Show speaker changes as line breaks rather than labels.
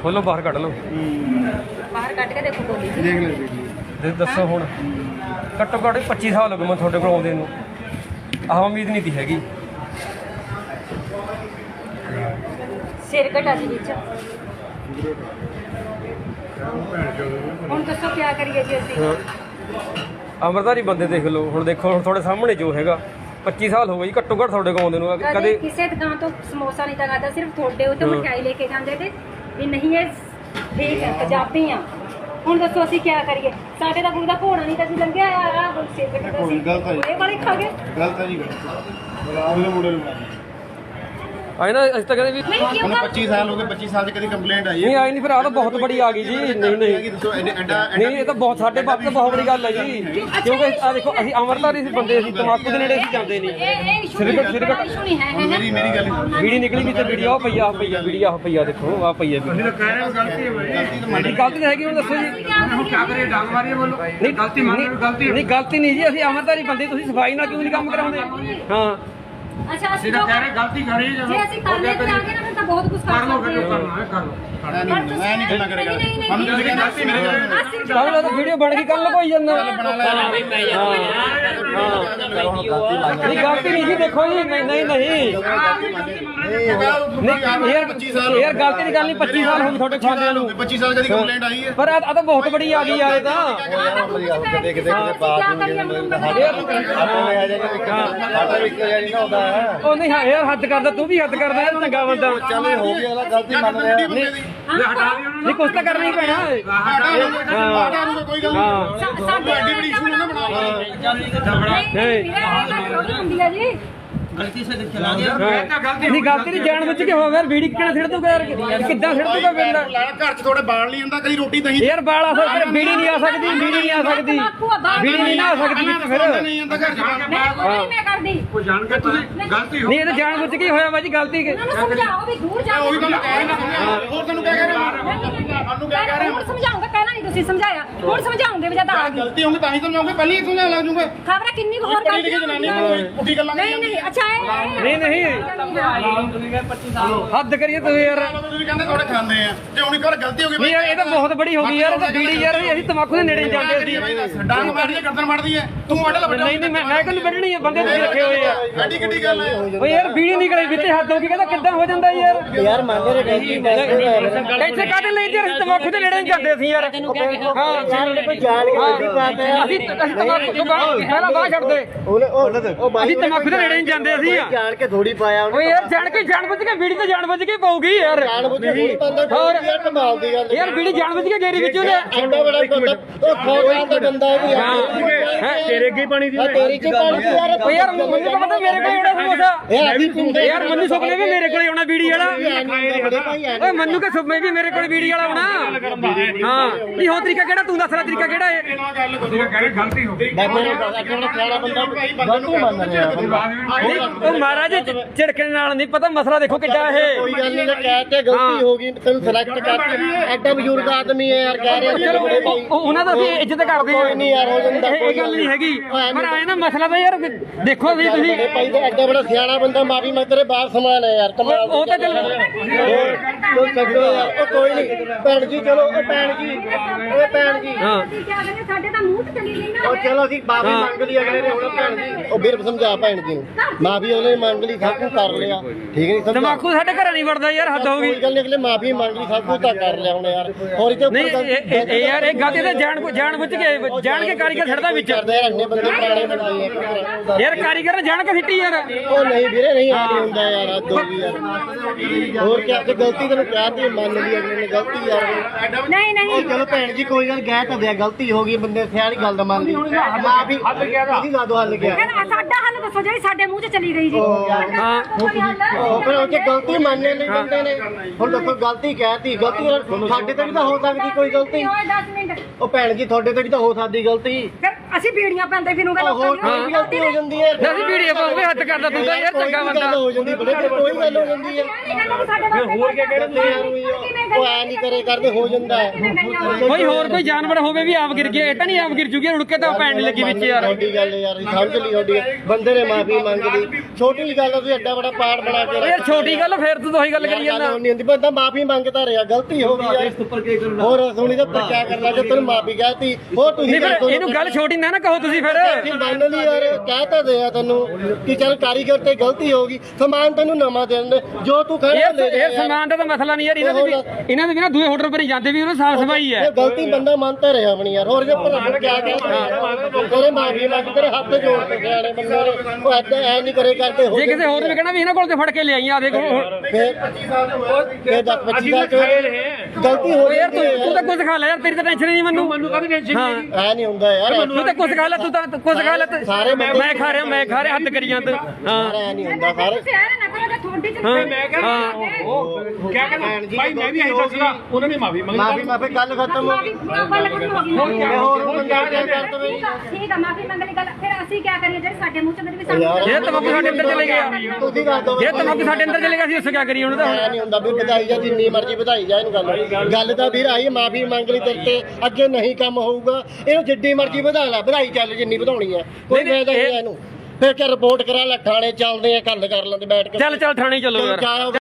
ਖੋਲੋ ਬਾਹਰ ਕੱਢ ਲਓ
ਬਾਹਰ ਕੱਢ ਕੇ ਦੇਖੋ ਗੋਲੀ ਜੀ
ਦੇਖ ਲੈ
ਦੱਸੋ ਹੁਣ ਘੱਟੋ ਘੱਟ 25 ਸਾਲ ਹੋ ਗਏ ਮੈਂ ਤੁਹਾਡੇ ਕੋਲ ਆਉਂਦੇ ਨੂੰ ਆਹ ਉਮੀਦ ਨਹੀਂ ਤੀ ਹੈਗੀ
ਸਿਰ ਘਟਾ ਜੀ ਵਿੱਚ ਹੁਣ ਦੱਸੋ ਕੀ ਕਰੀਏ ਜੀ ਅਸੀਂ
ਅਮਰਦਾਰੀ ਬੰਦੇ ਦੇਖ ਲਓ ਹੁਣ ਦੇਖੋ ਹੁਣ ਤੁਹਾਡੇ ਸਾਹਮਣੇ ਜੋ ਹੈਗਾ 25 ਸਾਲ ਹੋ ਗਏ ਜੀ ਘੱਟੋ ਘੱਟ ਤੁਹਾਡੇ ਕੋਲ ਆਉਂਦੇ ਨੂੰ
ਕਦੇ ਕਿਸੇ ਦੁਕਾਨ ਤੋਂ ਸਮੋਸਾ ਨਹੀਂ ਤਾਂ ਖਾਦਾ ਸਿਰਫ ਤੁਹਾਡੇ ਉੱਤੇ ਮਠਿਆਈ ਲੈ ਕੇ ਜਾਂਦੇ ਤੇ ਵੀ ਨਹੀਂ ਇਹ ਠੀਕ ਹੈ ਪੰਜਾਬੀ ਆ ਹੁਣ ਦੱਸੋ ਅਸੀਂ ਕੀ ਕਰੀਏ ਸਾਡੇ ਦਾ ਕੋਈ ਦਾ ਘੋੜਾ ਨਹੀਂ ਤਾਂ ਅਸੀਂ ਲੰਘਿਆ ਆ ਸਿਰ ਘਟਾ ਸੀ ਇਹ ਵਾਲੇ ਖਾ ਗਏ
ਗਲਤ ਹੈ ਜੀ ਉਹਦੇ ਮੁੰਡੇ ਨੂੰ
ਆਏ ਨਾ ਅਸੀਂ ਤਾਂ ਕਹਿੰਦੇ ਵੀ
ਨਹੀਂ ਕਿਉਂ
ਉਹਨੂੰ 25 ਸਾਲ ਹੋ ਗਏ 25 ਸਾਲ ਦੀ ਕਦੀ ਕੰਪਲੇਂਟ ਆਈ
ਨਹੀਂ ਆਈ ਨਹੀਂ ਫਿਰ ਆਹ ਤਾਂ ਬਹੁਤ ਬੜੀ ਆ ਗਈ ਜੀ ਨਹੀਂ
ਦੱਸੋ ਐਡਾ
ਨਹੀਂ ਇਹ ਤਾਂ ਬਹੁਤ ਸਾਡੇ ਬਾਪ ਤੋਂ ਬਹੁਤ ਬੜੀ ਗੱਲ ਹੈ ਜੀ ਕਿਉਂਕਿ ਆ ਦੇਖੋ ਅਸੀਂ ਅਮਰਦਾਰੀ ਸੀ ਬੰਦੇ ਅਸੀਂ ਤਮਾਕੂ ਦੇ ਨੇੜੇ ਅਸੀਂ ਜਾਂਦੇ ਨਹੀਂ
ਇਹ ਇਸ਼ੂ ਨਹੀਂ ਹੈ
ਮੇਰੀ ਗੱਲ
ਵੀੜੀ ਨਿਕਲੀ ਵੀ ਤੇ ਵੀਡੀਓ ਆ ਪਈਆ ਵੀਡੀਓ ਆ ਪਈਆ ਦੇਖੋ ਆ ਪਈਆ
ਅਸੀਂ ਤਾਂ ਕਹਿ ਰਹੇ ਹਾਂ ਗਲਤੀ ਹੈ ਭਾਈ
ਗਲਤੀ ਤਾਂ ਹੈਗੀ ਹੁਣ ਦੱਸੋ ਜੀ
ਹੁਣ ਕੀ ਕਰੀਏ ਡਾਂਗ ਮਾਰੀਏ ਬੋਲੋ
ਨਹੀਂ
ਗਲਤੀ ਮੰਨ ਲਓ ਗਲਤੀ
ਨਹੀਂ ਗਲਤੀ ਨਹੀਂ ਜੀ ਅਸੀਂ ਅਮਰਦਾਰੀ ਬੰਦੇ ਤੁਸੀਂ ਸਫਾਈ ਨਾਲ ਕਿਉਂ ਨਹੀਂ ਕੰਮ ਕਰਾਉਂਦੇ ਹਾਂ
ਅੱਛਾ
ਅਸੀਂ ਤਾਂ ਕਹਿ ਰਹੇ ਗਲਤੀ ਕਰੀ ਜਦੋਂ
ਜੇ ਅਸੀਂ ਕਰ ਲੈ ਤੇ ਆਗੇ ਨਾ ਫਿਰ ਤਾਂ ਬਹੁਤ ਕੁਝ
ਕਰ ਲਓ
ਸਕਦੇ
ਫਿਰ
ਹਾਂ
ਕਰਨਾ ਹੈ ਕਰ ਲਓ
ਮੈਂ ਨਹੀਂ ਗੱਲਾਂ ਕਰੇਗਾ ਸਾਨੂੰ ਤੁਸੀਂ ਕਹਿੰਦੇ ਗਲਤੀ ਮੇਰੇ ਕੋਲ
ਕੱਲ ਤਾਂ ਵੀਡੀਓ ਬਣ ਗਈ ਕੱਲ ਲਗੋਈ ਜਾਂਦਾ ਨਹੀਂ ਗਲਤੀ ਨਹੀਂ ਜੀ ਦੇਖੋ ਜੀ ਨਹੀਂ ਯਾਰ ਗਲਤੀ ਦੀ ਗੱਲ ਨਹੀਂ 25 ਸਾਲ ਹੋ ਗਏ ਤੁਹਾਡੇ ਖਾਂਦਿਆਂ ਨੂੰ
25 ਸਾਲ ਕਦੀ ਕੰਪਲੇਂਟ ਆਈ ਹੈ
ਪਰ ਆ ਤਾਂ ਬਹੁਤ ਬੜੀ ਆ ਗਈ ਯਾਰ ਇਹ ਤਾਂ
ਕਿਤੇ ਬਾਤ
ਉਹ ਨਹੀਂ ਹਾਂ ਯਾਰ ਹੱਦ ਕਰਦਾ ਤੂੰ ਵੀ ਹੱਦ ਕਰਦਾ ਯਾਰ ਚੰਗਾ ਬੰਦਾ
ਚੱਲ ਹੋ ਗਿਆ ਅਗਲਾ ਗਲਤੀ ਮੰਨ ਰਿਹਾ
ਨਹੀਂ
ਹਟਾ ਦਿਓ ਉਹਨਾਂ
ਨਹੀਂ ਕੁਛ ਤਾਂ ਕਰਨਾ ਹੀ ਪੈਣਾ
ਕੋਈ ਗੱਲ ਨਹੀਂ ਐਡੀ ਬੜੀ ਇਸ਼ੂ ਨਾ ਬਣਾ
ਹੁੰਦੀ ਹੈ ਜੀ
ਗਲਤੀ ਸੇ ਚਲਾ ਗਿਆ ਮੈਂ ਤਾਂ ਗਲਤੀ
ਨਹੀਂ ਗਲਤੀ ਨਹੀਂ ਜਾਣ ਬੁੱਝ ਕੇ ਹੋ ਗਿਆ ਵੀੜੀ ਕਿਹੜਾ ਛੱਡ ਦੂਗਾ ਯਾਰ ਕਿੱਦਾਂ ਛੱਡ ਦੂਗਾ ਬੰਦਾ
ਘਰ ਚ ਥੋੜੇ ਬਾਲ ਨਹੀਂ ਹੁੰਦਾ ਕਦੀ ਰੋਟੀ ਦਹੀਂ
ਯਾਰ ਬਾਲ ਆ ਸਕਦਾ ਵੀੜੀ ਨਹੀਂ ਆ ਸਕਦੀ ਵੀੜੀ ਨਹੀਂ ਆ ਸਕਦੀ ਵੀੜੀ ਨਹੀਂ ਨਾ ਆ ਸਕਦੀ ਵਿੱਚ ਫਿਰ
ਨਹੀਂ ਹੁੰਦਾ ਘਰ ਚ
ਮੈਂ ਕਰਦੀ
ਕੋਈ ਜਾਣ ਕੇ ਤੁਸੀਂ ਗਲਤੀ ਹੋ
ਨਹੀਂ ਇਹ ਤਾਂ ਜਾਣ ਬੁੱਝ ਕੇ ਹੋਇਆ ਬਾਜੀ ਗਲਤੀ
ਇਹਨਾਂ ਨੂੰ ਸਮਝਾਓ ਵੀ ਦੂਰ ਜਾ
ਉਹੀ ਗੱਲ ਕਹਿ ਰਿਹਾ ਹੋਰ ਤੈਨੂੰ ਕਹਿ ਰਿਹਾ ਸਾਨੂੰ ਕਹਿ ਰਿਹਾ
ਹੁਣ ਸਮਝਾਉਂਗਾ ਕਹਿਣਾ ਨਹੀਂ ਤੁਸੀਂ ਸਮਝਾਇਆ ਹੁਣ ਸਮਝਾਉਂਗੇ ਵੀ ਜਦ ਆ ਗਈ
ਗਲਤੀ ਹੋਊਗੀ ਤਾਂ ਹੀ ਸਮਝਾਉਂਗੇ ਪਹਿਲਾਂ ਹੀ ਸਮਝਾ ਲੱਗ ਜੂਗੇ
ਖਬਰ ਕਿੰਨੀ ਕੁ ਹੋਰ
ਪੜੀ ਲਿਖੀ ਜਨਾਨੀ ਕੋਈ ਪੁੱਠੀ ਗੱਲਾਂ
ਨਹੀਂ ਨਹੀਂ ਅੱਛਾ
ਨਹੀਂ ਨਹੀਂ ਹੱਦ ਕਰੀਏ ਤੂੰ ਯਾਰ
ਤੁਸੀਂ ਕਹਿੰਦੇ ਥੋੜੇ ਖਾਂਦੇ ਆ ਤੇ ਹੁਣ ਇੱਕ ਵਾਰ ਗਲਤੀ ਹੋ ਗਈ
ਨਹੀਂ ਯਾਰ ਇਹ ਤਾਂ ਬਹੁਤ ਬੜੀ ਹੋ ਗਈ ਯਾਰ ਇਹ ਤਾਂ ਬੀੜੀ ਯਾਰ ਅਸੀਂ ਤਮਾਕੂ ਦੇ ਨੇੜੇ ਨਹੀਂ ਜਾਂਦੇ ਸੀ
ਡਾਂਗ ਮਾਰਦੀ ਹੈ ਗਰਦਨ ਮਾਰਦੀ ਹੈ ਤੂੰ ਆਡਲ ਵੱਡਾ
ਨਹੀਂ ਮੈਂ ਕਿਹਨੂੰ ਵੱਢਣੀ ਆ ਬੰਦੇ ਤੁਸੀਂ ਰੱਖੇ ਹੋਏ ਆ
ਐਡੀ ਕਿੱਡੀ ਗੱਲ ਹੈ
ਓ ਯਾਰ ਬੀੜੀ ਨਿਕਲੇ ਵਿੱਚੇ ਹੱਦ ਹੋ ਗਈ ਕਹਿੰਦਾ ਕਿੱਦਾਂ ਹੋ ਜਾਂਦਾ ਯਾਰ ਮੰਨ ਰੇ ਇੱਥੇ ਕਾਹਦੇ ਲਈ ਤੇ ਅਸੀਂ ਤਮਾਕੂ ਦੇ ਨੇੜੇ ਨਹੀਂ ਜਾਂਦੇ ਸੀ ਯਾਰ ਹਾਂ
ਕੋਈ ਜਾਣ ਕੇ ਵੱਡੀ ਬਾਤ ਹੈ
ਅਸੀਂ ਤਮਾਕੂ ਤੋਂ ਪਹਿਲਾਂ ਬਾਹਰ ਛੱਡਦੇ ਅਸੀਂ ਤਮਾਕੂ ਦੇ ਨੇੜੇ ਨਹੀਂ ਜਾਂਦੇ ਅਸੀਂ
ਜਾਣ ਕੇ ਥੋੜੀ ਪਾਇਆ
ਓ ਯਾਰ ਜਾਣ ਬੁੱਝ ਕੇ ਬੀੜੀ ਤਾਂ ਜਾਣ ਬੁੱਝ ਕੇ ਪਊਗੀ ਯਾਰ
ਜਾਣ ਬੁੱਝ ਕੇ ਹੋਰ ਯਾਰ ਕਮਾਲ ਦੀ ਗੱਲ
ਯਾਰ ਬੀੜੀ ਜਾਣ ਬੁੱਝ ਕੇ ਗੇਰੀ ਵਿੱਚ ਉਹਨੇ
ਐਡਾ ਬੜਾ ਬੰਦਾ ਉਹ ਖੋਜਾਂ ਦਾ ਬੰਦਾ ਹੈ
ਤੇਰੇ ਅੱਗੇ ਪਾਣੀ ਦੀ
ਤੇਰੀ ਕੀ ਪਾਣੀ ਦੀ ਯਾਰ
ਓ ਯਾਰ ਮੈਨੂੰ ਤਾਂ ਪਤਾ ਮੇਰੇ ਕੋਲ ਆਉਣਾ ਸਮੋਸਾ
ਇਹ ਆਦੀ ਪਿੰਡੇ
ਯਾਰ ਮੈਨੂੰ ਸੁਪਨੇ ਵੀ ਮੇਰੇ ਕੋਲ ਆਉਣਾ ਬੀੜੀ ਵਾਲਾ
ਬੜੇ ਭਾਈ ਆ
ਓਏ ਮੈਨੂੰ ਕਿ ਸੁਪਨੇ ਵੀ ਮੇਰੇ ਕੋਲ ਬੀੜੀ ਵਾਲਾ ਆਉਣਾ ਹਾਂ ਨਹੀਂ ਹੋ ਤਰੀਕਾ ਕਿਹੜਾ ਤੂੰ ਦੱਸ ਲੈ ਤਰੀਕਾ ਕਿਹੜਾ ਹੈ
ਤੁਸੀਂ ਕਹਿ ਰਹੇ ਗਲਤੀ ਹੋ ਗਈ
ਬਾਬਾ ਨੇ ਕਿਹੜਾ ਸਿਆਣਾ ਬੰਦਾ ਗਲਤੀ ਮੰਨ ਰਿਹਾ
ਨਹੀਂ ਉਹ ਮਹਾਰਾਜ ਝਿੜਕਣ ਨਾਲ ਨਹੀਂ ਪਤਾ ਮਸਲਾ ਦੇਖੋ ਕਿੱਡਾ ਇਹ
ਕੋਈ ਗੱਲ ਨਹੀਂ ਕਹਿ ਤੇ ਗਲਤੀ ਹੋ ਗਈ ਤੈਨੂੰ ਸਿਲੈਕਟ ਕਰ ਐਡਾ ਬਜ਼ੁਰਗ ਆਦਮੀ ਹੈ ਯਾਰ ਕਹਿ ਰਿਹਾ
ਚਲੋ ਉਹਨਾਂ ਦਾ ਅਸੀਂ ਇੱਜ਼ਤ ਕਰਦੇ
ਕੋਈ ਨਹੀਂ ਯਾਰ ਹੋ ਜਾਂਦਾ
ਇਹ ਗੱਲ ਨਹੀਂ ਹੈਗੀ ਪਰ ਆਏ ਨਾ ਮਸਲਾ ਤਾਂ ਯਾਰ ਦੇਖੋ ਵੀ ਤੁਸੀਂ
ਭਾਈ ਤੇ ਐਡਾ ਬੜਾ ਸਿਆਣਾ ਬੰਦਾ ਮਾਫੀ ਮੈਂ ਤੇਰੇ ਬਾਹਰ ਸਮਾਨ ਹੈ ਯਾਰ ਕਮਾਲ
ਉਹ ਤਾਂ ਚੱਲ
ਕੋਈ ਛੱਡੋ ਯਾਰ ਉਹ ਕੋਈ ਨਹੀਂ ਭੈਣ ਜੀ ਚਲੋ ਉਹ ਭੈਣ ਜੀ ਓਏ ਭੈਣ ਜੀ
ਹਾਂ
ਅਸੀਂ ਕੀ ਕਹਿੰਦੇ ਸਾਡੇ ਤਾਂ ਮੂੰਹ ਤੇ ਚਲੀ ਗਈ ਨਾ
ਉਹ ਚਲੋ ਅਸੀਂ ਮਾਫੀ ਮੰਗ ਲਈ ਅਗਲੇ ਨੇ ਹੁਣ ਭੈਣ ਜੀ ਉਹ ਵੀਰ ਸਮਝਾ ਭੈਣ ਜੀ ਨੂੰ ਮਾਫੀ ਉਹਨੇ ਮੰਗ ਲਈ ਸਭ ਕੁਝ ਕਰ ਲਿਆ ਠੀਕ ਨਹੀਂ ਸਮਝਾ
ਤਮਾਕੂ ਸਾਡੇ ਘਰਾਂ ਨਹੀਂ ਵੜਦਾ ਯਾਰ ਹੱਦ ਹੋ ਗਈ
ਕੋਈ ਗੱਲ ਨਹੀਂ ਅਗਲੇ ਮਾਫੀ ਮੰਗ ਲਈ ਸਭ ਕੁਝ ਤਾਂ ਕਰ ਲਿਆ ਹੁਣ ਯਾਰ ਹੋਰ ਇਹ
ਨਹੀਂ ਇਹ ਯਾਰ ਇਹ ਗੱਲ ਤੇ ਜਾਣ ਬੁੱਝ ਕੇ ਜਾਣ ਕੇ ਕਾਰੀਗਰ ਛੱਡਦਾ ਵਿੱਚ
ਕਰਦੇ ਯਾਰ ਇੰਨੇ ਬੰਦੇ ਪੁਰਾਣੇ ਬਣਾਏ ਆ
ਯਾਰ ਕਾਰੀਗਰ ਨੇ ਜਾਣ ਕੇ ਸਿੱਟੀ ਯਾਰ
ਉਹ ਨਹੀਂ ਵੀਰੇ ਨਹੀਂ ਆ ਨਹੀਂ ਹੁੰਦਾ ਯਾਰ ਆ ਦੋ ਵੀ ਯਾਰ ਹੋਰ ਕੀ ਅੱਜ ਗਲਤੀ ਤੈਨੂੰ ਕਹਿ ਤੀ ਮੰਨ ਲਈ ਅਗਲੇ ਨੇ ਗਲਤੀ ਯਾਰ
ਨਹੀਂ ਨਹੀਂ
ਉਹ ਚਲੋ ਭੈਣ ਜੀ ਕੋਈ ਗੱਲ ਕਹਿ ਤਾਂ ਦਿਆ ਗਲਤੀ ਹੋ ਗਈ ਬੰਦੇ ਸਿਆਣੀ ਗੱਲ ਦਾ ਮੰਨ ਲਈ ਮਾਫੀ ਤੁਸੀਂ ਲਾ ਦੋ ਹੱਲ ਗਿਆ
ਸਾਡਾ ਹੱਲ ਦੱਸੋ ਜਿਹੜੀ ਸਾਡੇ ਮੂੰਹ 'ਚ ਚਲੀ ਗਈ ਜੀ
ਹਾਂ
ਉਹ ਫਿਰ ਉਹ 'ਚ ਗਲਤੀ ਮੰਨਨੇ ਨਹੀਂ ਬੰਦੇ ਨੇ ਹੁਣ ਦੇਖੋ ਗਲਤੀ ਕਹਿਤੀ ਗਲਤੀ ਸਾਡੇ ਤੇ ਵੀ ਤਾਂ ਹੋ ਸਕਦੀ ਕੋਈ ਗਲਤੀ
ਓਏ 10 ਮਿੰਟ
ਉਹ ਭੈਣ ਜੀ ਤੁਹਾਡੇ ਤੇ ਵੀ ਤਾਂ ਹੋ ਸਕਦੀ ਗਲਤੀ
ਫਿਰ ਅਸੀਂ ਬੀੜੀਆਂ ਪਾਉਂਦੇ ਫਿਰੂਗੇ ਲੋਕਾਂ
ਹੋਰ ਕੋਈ ਵੀ ਗਲਤੀ ਹੋ ਜਾਂਦੀ ਹੈ
ਅਸੀਂ ਵੀਡੀਓ ਪਾਉਂਗੇ ਹੱਥ ਕਰਦਾ ਤੂੰ ਤਾਂ ਯਾਰ ਚੰਗਾ ਬੰਦਾ
ਹੋ ਜਾਂਦੀ ਬੜੇ ਕੋਈ ਗੱਲ ਹੋ ਜਾਂਦੀ ਹੈ
ਹੋਰ ਕੀ
ਉਹ ਐ ਨਹੀਂ ਕਰੇ ਕਰਦੇ ਹੋ ਜਾਂਦਾ ਹੈ
ਕੋਈ ਹੋਰ ਕੋਈ ਜਾਨਵਰ ਹੋਵੇ ਵੀ ਆਪ ਗਿਰ ਗਿਆ ਇਹ ਤਾਂ ਨਹੀਂ ਆਪ ਗਿਰ ਜੂਗੀ ਰੁੜ ਕੇ ਤਾਂ ਪੈਣ ਲੱਗੀ ਵਿੱਚ ਯਾਰ
ਤੁਹਾਡੀ ਗੱਲ ਯਾਰ ਸਮਝ ਲਈ ਤੁਹਾਡੀ ਬੰਦੇ ਨੇ ਮਾਫੀ ਮੰਗ ਲਈ ਛੋਟੀ ਗੱਲ ਤੁਸੀਂ ਐਡਾ ਬੜਾ ਪਾੜ ਬਣਾ ਕੇ
ਯਾਰ ਛੋਟੀ ਗੱਲ ਫੇਰ ਤੂੰ ਉਹੀ ਗੱਲ ਕਰੀ ਜਾਂਦਾ
ਨਹੀਂ ਹੁੰਦੀ ਬੰਦਾ ਮਾਫੀ ਮੰਗਦਾ ਰਿਹਾ ਗਲਤੀ ਹੋ ਗਈ ਯਾਰ ਹੋਰ ਸੁਣੀ ਤਾਂ ਪਰ ਕਿਆ ਕਰਨਾ ਜੇ ਤੈਨੂੰ ਮਾਫੀ ਕਹਤੀ ਹੋਰ ਤੁਸੀਂ
ਨਹੀਂ ਫਿਰ ਇਹਨੂੰ ਗੱਲ ਛੋਟੀ ਨਾ ਕਹੋ ਤੁਸੀਂ ਫਿਰ
ਮੰਨ ਲਈ ਯਾਰ ਕਹਿ ਤਾਂ ਦਿਆ ਤੈਨੂੰ ਕਿ ਚੱਲ ਕਾਰੀਗਰ ਤੇ ਗਲਤੀ ਹੋ ਗਈ ਸਮਾਨ ਤੈਨੂੰ ਨਵਾਂ ਦੇ ਦਿੰਦੇ ਜੋ ਤੂੰ ਖੜਾ ਲੈ
ਇਹ ਸਮਾਨ ਦਾ ਤਾਂ ਮਸਲਾ ਨਹੀਂ ਯਾਰ ਇਹਨਾਂ ਦੇ ਵੀ ਨਾ ਦੂਏ ਹੋਟਲ ਪਰ ਹੀ ਜਾਂਦੇ ਵੀ ਉਹਨਾਂ ਸਾਫ ਸਫਾਈ ਹੈ
ਇਹ ਗਲਤੀ ਬੰਦਾ ਮੰਨਤਾ ਰਿਹਾ ਆਪਣੀ ਯਾਰ ਹੋਰ ਜੇ ਭਰਾ ਕਿਆ ਤੇਰੇ ਮਾਫੀ ਮੰਗ ਤੇਰੇ ਹੱਥ ਜੋੜ ਕੇ ਸਿਆਣੇ ਬੰਦੇ ਨੇ ਉਹ ਐਦਾਂ ਐ ਨਹੀਂ ਕਰੇ ਕਰਦੇ
ਜੇ ਕਿਸੇ ਹੋਰ ਨੇ ਕਹਿਣਾ ਵੀ ਇਹਨਾਂ ਕੋਲ ਤੇ ਫੜ ਕੇ ਲਿਆਈ ਆ ਦੇਖੋ
ਫਿਰ 25 ਸਾਲ ਗਲਤੀ ਹੋ
ਯਾਰ ਤੂੰ ਤਾਂ ਕੁਝ ਖਾ ਲੈ ਯਾਰ ਤੇਰੀ ਤਾਂ ਟੈਨਸ਼ਨ ਨਹੀਂ ਮੈਨੂੰ ਕਾਹਦੀ ਟੈਨਸ਼ਨ
ਐ ਨਹੀਂ ਹੁੰਦਾ ਯਾਰ
ਤੂੰ ਤਾਂ ਕੁਝ ਖਾ ਲੈ ਤੂੰ ਤਾਂ ਕੁਝ ਖਾ ਲੈ
ਸਾਰੇ
ਮੈਂ ਖਾ ਰਿਹਾ ਹੱਦ ਕਰੀ ਜਾਂਦਾ ਹਾਂ
ਐ ਨਹੀਂ ਹੁੰਦਾ ਸਾਰੇ
ਕਿਆ ਕਹਿੰਦਾ ਭਾਈ ਮੈਂ ਵੀ ਇਹੀ ਦੱਸਦਾ ਉਹਨਾਂ ਨੇ ਮਾਫੀ ਮੰਗੀ
ਮਾਫੀ ਗੱਲ ਖਤਮ ਹੋ ਗਈ
ਠੀਕ ਆ ਮਾਫੀ ਮੰਗ ਲਈ ਗੱਲ ਫਿਰ ਅਸੀਂ ਕੀ ਕਰੀਏ ਜਿਹੜੇ ਸਾਡੇ ਮੂੰਹ ਚ ਵੀ ਸਾਨੂੰ
ਇਹ ਤਮਾਕੂ ਸਾਡੇ ਅੰਦਰ ਚਲੇ ਗਿਆ
ਤੁਸੀਂ ਕਰ ਦੋ
ਇਹ ਤਮਾਕੂ ਸਾਡੇ ਅੰਦਰ ਚਲੇ ਗਿਆ ਸੀ ਉਸ ਕੀ ਕਰੀਏ ਉਹਨੂੰ ਤਾਂ
ਐ ਨਹੀਂ ਹੁੰਦਾ ਵੀ ਵਧਾਈ ਜਾ ਜਿੰਨੀ ਮਰਜ਼ੀ ਵਧਾਈ ਜਾ ਇਹਨੂੰ ਗੱਲ ਤਾਂ ਵੀਰ ਆਈ ਮਾਫੀ ਮੰਗ ਲਈ ਤੇਰੇ ਤੇ ਅੱਗੇ ਨਹੀਂ ਕੰਮ ਹੋਊਗਾ ਇਹਨੂੰ ਜਿੱਡੀ ਮਰਜ਼ੀ ਵਧਾ ਲੈ ਵਧਾਈ ਚੱਲ ਜਿੰਨੀ ਵਧਾਉਣੀ ਹੈ ਕੋਈ ਫਾਇਦਾ ਨਹੀਂ ਇਹਨੂੰ ਫਿਰ ਕਿ ਰਿਪੋਰਟ ਕਰਾ ਲੈ ਥਾਣੇ ਚੱਲਦੇ ਆ ਗੱਲ ਕਰ ਲੈਂਦੇ ਬੈਠ ਕੇ
ਚੱਲ ਥਾਣੇ ਚੱਲੋ ਯਾਰ